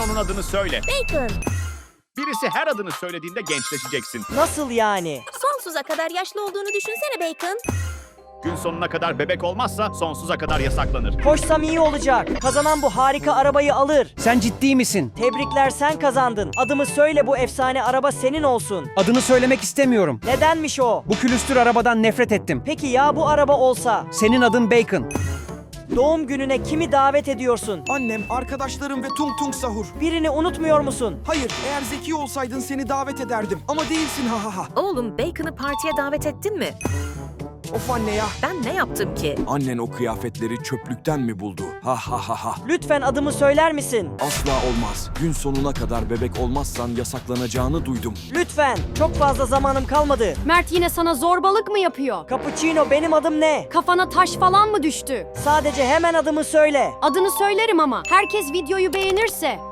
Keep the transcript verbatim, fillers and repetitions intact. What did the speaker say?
onun adını söyle. Bacon. Birisi her adını söylediğinde gençleşeceksin. Nasıl yani? Sonsuza kadar yaşlı olduğunu düşünsene Bacon. Gün sonuna kadar bebek olmazsa sonsuza kadar yasaklanır. Koşsam iyi olacak. Kazanan bu harika arabayı alır. Sen ciddi misin? Tebrikler, sen kazandın. Adımı söyle, bu efsane araba senin olsun. Adını söylemek istemiyorum. Nedenmiş o? Bu külüstür arabadan nefret ettim. Peki ya bu araba olsa? Senin adın Bacon. Doğum gününe kimi davet ediyorsun? Annem, arkadaşlarım ve Tung Tung Sahur. Birini unutmuyor musun? Hayır, eğer zeki olsaydın seni davet ederdim. Ama değilsin ha ha ha. Oğlum, Bacon'ı partiye davet ettin mi? Of anne ya. Ben ne yaptım ki? Annen o kıyafetleri çöplükten mi buldu? Ha ha ha ha. Lütfen adımı söyler misin? Asla olmaz. Gün sonuna kadar bebek olmazsan yasaklanacağını duydum. Lütfen. Çok fazla zamanım kalmadı. Mert yine sana zorbalık mı yapıyor? Cappuccino, benim adım ne? Kafana taş falan mı düştü? Sadece hemen adımı söyle. Adını söylerim ama herkes videoyu beğenirse.